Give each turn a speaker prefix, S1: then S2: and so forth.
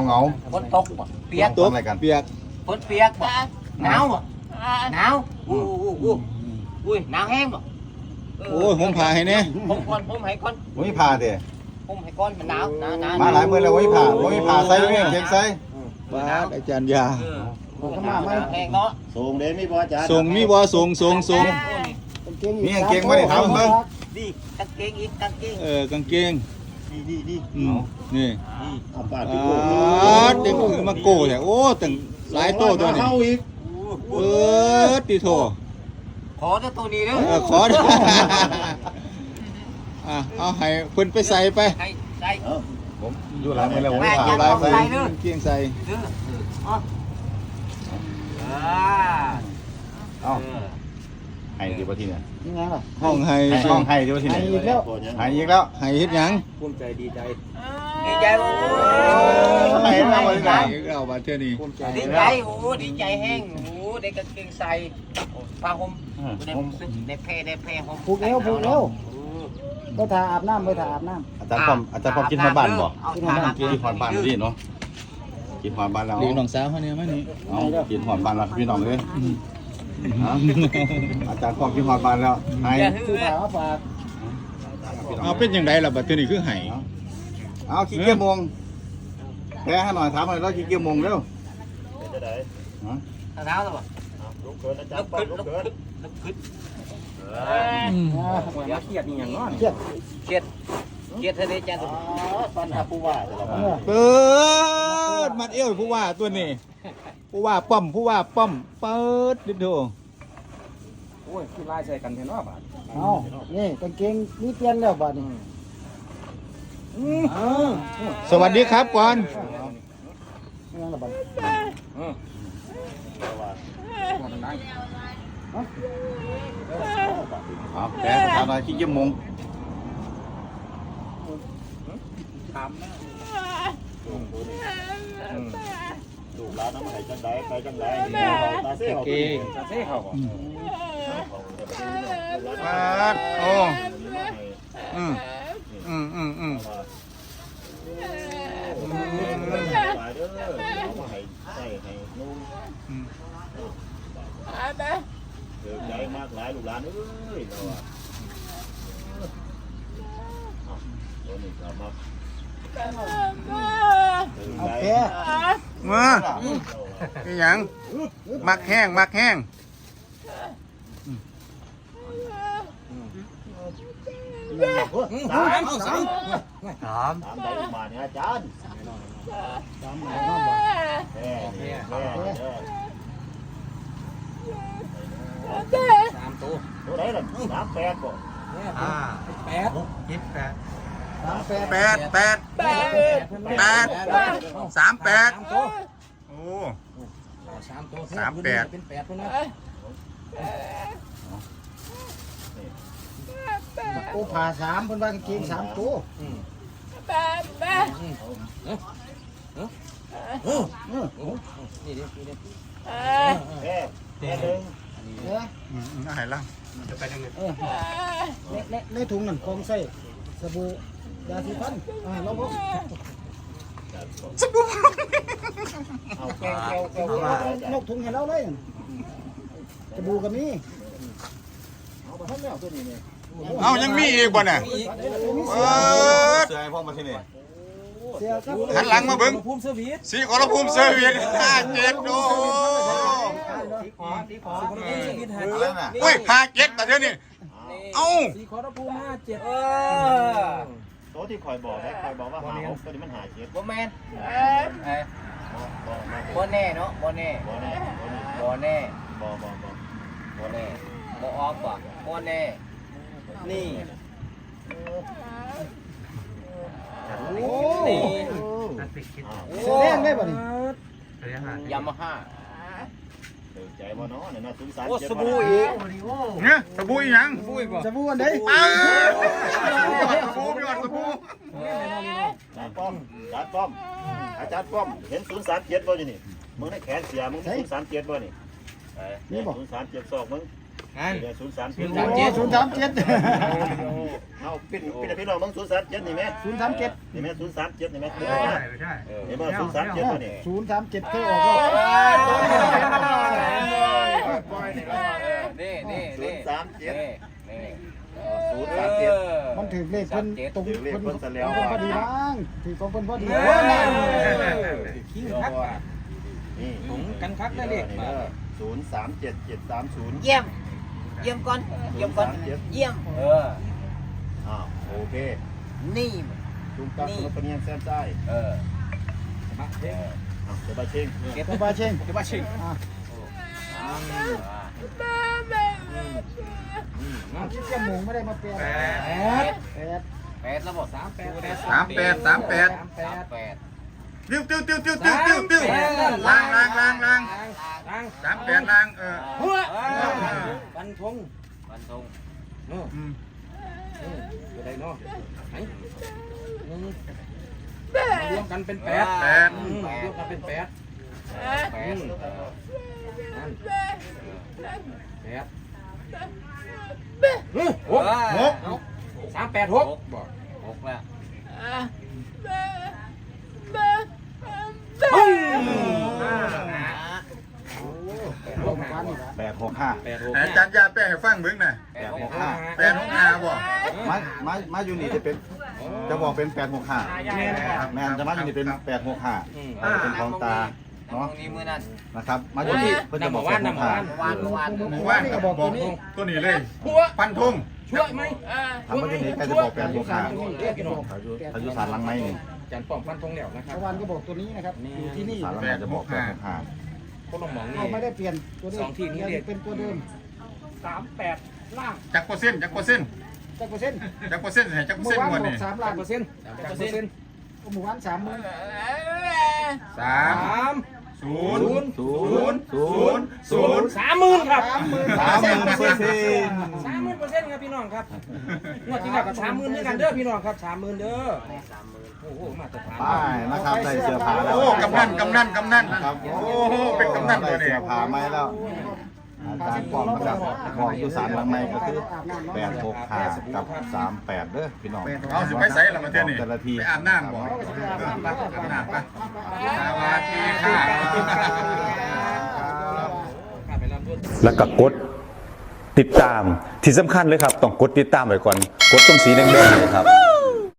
S1: เหงา
S2: ฝนตกบ่เปียก
S1: ตกอะไรกันเปียก
S2: ฝนเปียกบ่หนาวบ่หนาวอุ้ยหนาวแห้งบ่
S3: โอ้ยผมพาให้เนี่ย
S2: ผมให้ก่อน
S1: โอ้ยพาเด้
S2: ผมให้ก่อนมันหนาวหนาว
S1: มาหลายมื้อแล้วโอ้ยพาใส่เรื่องเก่งใส่
S3: บาดอาจารย์ยา
S2: ก็มาไม่แห้งเนาะ
S4: ส่งเด้มีบ่จ้า
S3: ส่งมีบ่ส่ง
S1: มีเก่งบ่ได้ทำเบิ่ง
S2: นี่กางเกงอีกกางเกง
S3: กางเกง
S4: นี่
S3: นี่
S4: เอาปาด
S3: อ่
S4: ไปโก้
S3: าเด็กคือมาโก้แต่โอ้ตั้งหลายโตตัวนี้
S4: เข้าอีก
S3: ติโท
S2: ขอตัวนี้เด้อ
S3: ขอได้เอาให้เพิ่นไปใส่ไป
S2: ใส่
S1: ผมอยู่หลายมื้อแล้วโอ้ยพา
S3: หลาย
S1: ใส่
S3: ใส่เกียงใส่
S2: เด้อ
S1: เอ้าให้ดีบ่ทีเนี่ย
S5: ยังไงล่ะ
S3: ห้องให้
S1: ห้องให้ดีบ่ทีเนี่ย
S5: ให้อีกแล้ว
S1: ให้อีกแล้ว
S3: ให้เฮ็ดหยัง
S2: ภูมิใจดีใจดีใจโอ้
S1: ให้แล้วบ่ได้
S3: ให้เราบาดเทื่อนี้
S2: ดีใจโอ้ดีใจแห้งโอ้ได้กางเกงใส่ผ้าห่มได้แพร่ห่ม
S5: ผูกเอวไปถ่าอาบน้ำไปถ่าอาบน้
S1: อาจารย์พร้อมกินฮอดบ้านบ่
S2: กินฮอดบ้าน
S1: กินฮอดบ้านดิเนาะกินฮอดบ้านแล้ว
S3: เลี้ยงน้องสาวเฮาเนี่ยมานี่
S1: เอากินฮอดบ้านแล้วพี่น้องเอ้ยอาจารย์พร้อมกินฮอดบ้านแล้วให้
S5: ำซื้อผ้ามาฝาก
S3: เอาเป็นจังไดล่ะบัดเทื่อนี้คือให้
S1: เอาขี้เกียจมงแพ้ให้หน่อยถามหน่อยแล้วขี้เกียจมงเร็ว
S4: จะได้
S2: เท้าแล้วบ่
S4: ลุกเกินอาจารย์ป้อมลุกเกิน
S2: อย่าเครียดนี่อย่างน้อย
S5: เครียด
S2: เครียดเธอได้จ้า
S4: ปันหาผู้ว่าจะละ
S3: เปิดมัดเอวผู้ว่าตัวนี้ผู้ว่าป้อมเปิดดิโด
S2: โอ้ยคือไล่ใส่กันเห็นว่าบาด
S5: เอานี่กางเกงนี่เปลี่ยนแล้วบัดนี้
S3: สวัสดีครับก่อน
S5: ยังไงล่ะบัด
S1: เอาแพ้ถามหน่อยขี้เกียจมง
S4: ดูร้านน้ำไหลจังไดไปจังไดตาเซ่เขา
S2: ตาเซ่เขาบ่
S3: ปัดโอ้อืม
S4: ไปเด้อเอามาให้ใส่ให้นุ่งเดือดใจมากหลายลูกหลานเอ้ยเราอ่ะตัวนี้ก็มา
S5: เอาแพ้
S3: มาอีหยังมักแห้ง
S4: สามได้มาเนี่ยอาจารย์
S5: ตามหมายความว่า
S4: แม่ตัวไหนล่ะ38บ่
S3: 38โอ้38
S5: เป็น8พุ่นนะโอ้ผ่า3เพิ่นว่ากางเกง3ตัว
S4: แม่นึง
S5: เด้อ
S3: น่าหายล่าง
S5: ในถุงนั่นของใส่สบู่ยาสีฟันเราบ่
S4: เอา
S5: แกนกถุงให้เราเลยสบู่ก็มี
S4: เอาไปทั้งแล้วตัวนี้เนี่ย
S3: เอายังมีอีกบ่น่ะเปิด
S1: เสื้อให้พ่อมาที่นี่
S5: เสียครับ
S3: หันหลังมาเบิ่งสีขอรภูมิเซอร์วิส57โอ้
S1: อะไรน่ะ
S3: โอ้ย57แต่เดี๋ยวนี้เอ้า
S4: ตัวที่คอยบอกนะคอยบอกว่าหาตัวนี้มันหาเจ็ด
S2: บ่แม่นบ่แน่เนาะบ่แน่
S4: บ่แน่
S2: บ่แน่
S4: บ่
S2: บ่แน่บ่ออกบ่บ่แน่นี่
S5: โอ้
S2: นี่
S5: แสดงได้บ่นี่
S2: ยามาฮ่า
S4: ตื่นใจบ่เนาะเนี่ยนะ03
S2: โอ้สบู่อีก
S3: เนี่ยสบู่อีหยัง
S5: สบู่อันใด
S3: เอ้าสบู่พี่อดสบู่
S4: อาจารย์ป้อมอาจารย์ป้อมเห็น037บ่อยู่นี่มึงในแขนเสียมึงมี037บ่นี่นี่บ่037ศอกมึงเดี๋ยว037
S5: 037
S4: เอาเป็นพี่น้องมึง037นี่ไหม
S5: 037
S4: นี่ไหม037นี่ไหมเห็นบ่037ตัวนี้
S5: 037เคยออกแล้ว
S2: นี่
S4: 037
S5: มันถึงเลขเพิ่นตรง
S4: ถึงเลขเพิ่นซะแล้ว
S5: พอดีบ้างถือของเพิ่นพอดี
S3: คิงคัก
S4: นี่
S3: ถุงกันคักได้เลขมา
S4: 037730
S2: เยี่ยมก่อนเยี่ยม
S4: โอเค
S2: นี่
S4: ลุงตักคนละปะเนียงแซมใต้เดี๋ยวไปเชิง
S5: เก็บมาเชง
S3: เดี๋ยวมาชิง
S5: คิดแค่หมงไม่ได้มาเปลี่ยน8
S2: 8ระบบ38
S3: ติ้วล้าง38ล้าง
S2: บันทง
S3: จะได้เนาะไหนรวมกันเป็น8รวมกันเป็น8 8 386บอก
S2: 6แล้ว
S1: 865
S3: อาจารย์ยาแป้งให้ฟังเบิ่งน่ะ 865บ่
S1: มาอยู่นี่จะเป็นจะบอกเป็น865แมนจะมาอยู่นี่เป็น865เป็นของตาเนาะ
S2: นี้มื้อนั้น
S1: นะครับมาอยู่นี่เพิ่นจะบอก865
S2: วาน
S3: หมู่บ้านก็บอกตัวนี้เลยฟันธงช่วยไหม
S1: ทำมาอยู่นี่ใครจะบอก865พายุสารลังไม้นี่
S3: อาจารย์ป้อมฟันธงแล้วนะครับ
S5: ตะวันก็บอกตัวนี้นะครับอยู่ที่นี่
S1: สารลังไม้จะบอก865
S3: ก็ลองมอง
S5: เรา
S3: นี่
S5: ไม่ได้เปลี่ยนตัวเดิ
S3: สอ
S5: ม
S3: งที่นี้เรียก
S5: เป็นตัวเดิม38ล่าง
S3: จักเปอร์เซ็นต์
S5: จักเปอร์เซ็นต์
S3: ให้จักเปอร์เซ็นต์หมดนี่
S5: 3ล้าน
S3: เปอร์เซ็นต์
S5: หมู่บ้าน30,000
S3: 30,000ครับ
S1: 30,000%
S3: 30,000%ครับพี่น้องครับงวดที่แล้วก็30,000ด้วยกันเด้อพี่น้องครับ30,000เด้อโอ้โหมาตรฐาน
S1: ป้ายนะครับใส่เสื้อผ้าแล้ว
S3: โอ้กำนัน
S1: ครับ
S3: โอ้โหเป็นกำนันตัว
S1: ใส่
S3: นี้
S1: เสื้อผ้าไหมแล้วอาจารย์ป้อมนะครับบอกอยู่สารลังไม้ก็คือ865กับ38เด้อพี่น้อง
S3: เอาสิไปใส่ละมาเทื่อนี่
S1: แต่ละที
S3: ไปอาบน้ำบ่ไปอาบน้ำไปสวัสดีค่ะ
S6: แล้วก็กดติดตามที่สำคัญเลยครับต้องกดติดตามไว้ก่อนกดตรงสีแดงๆเลยครับ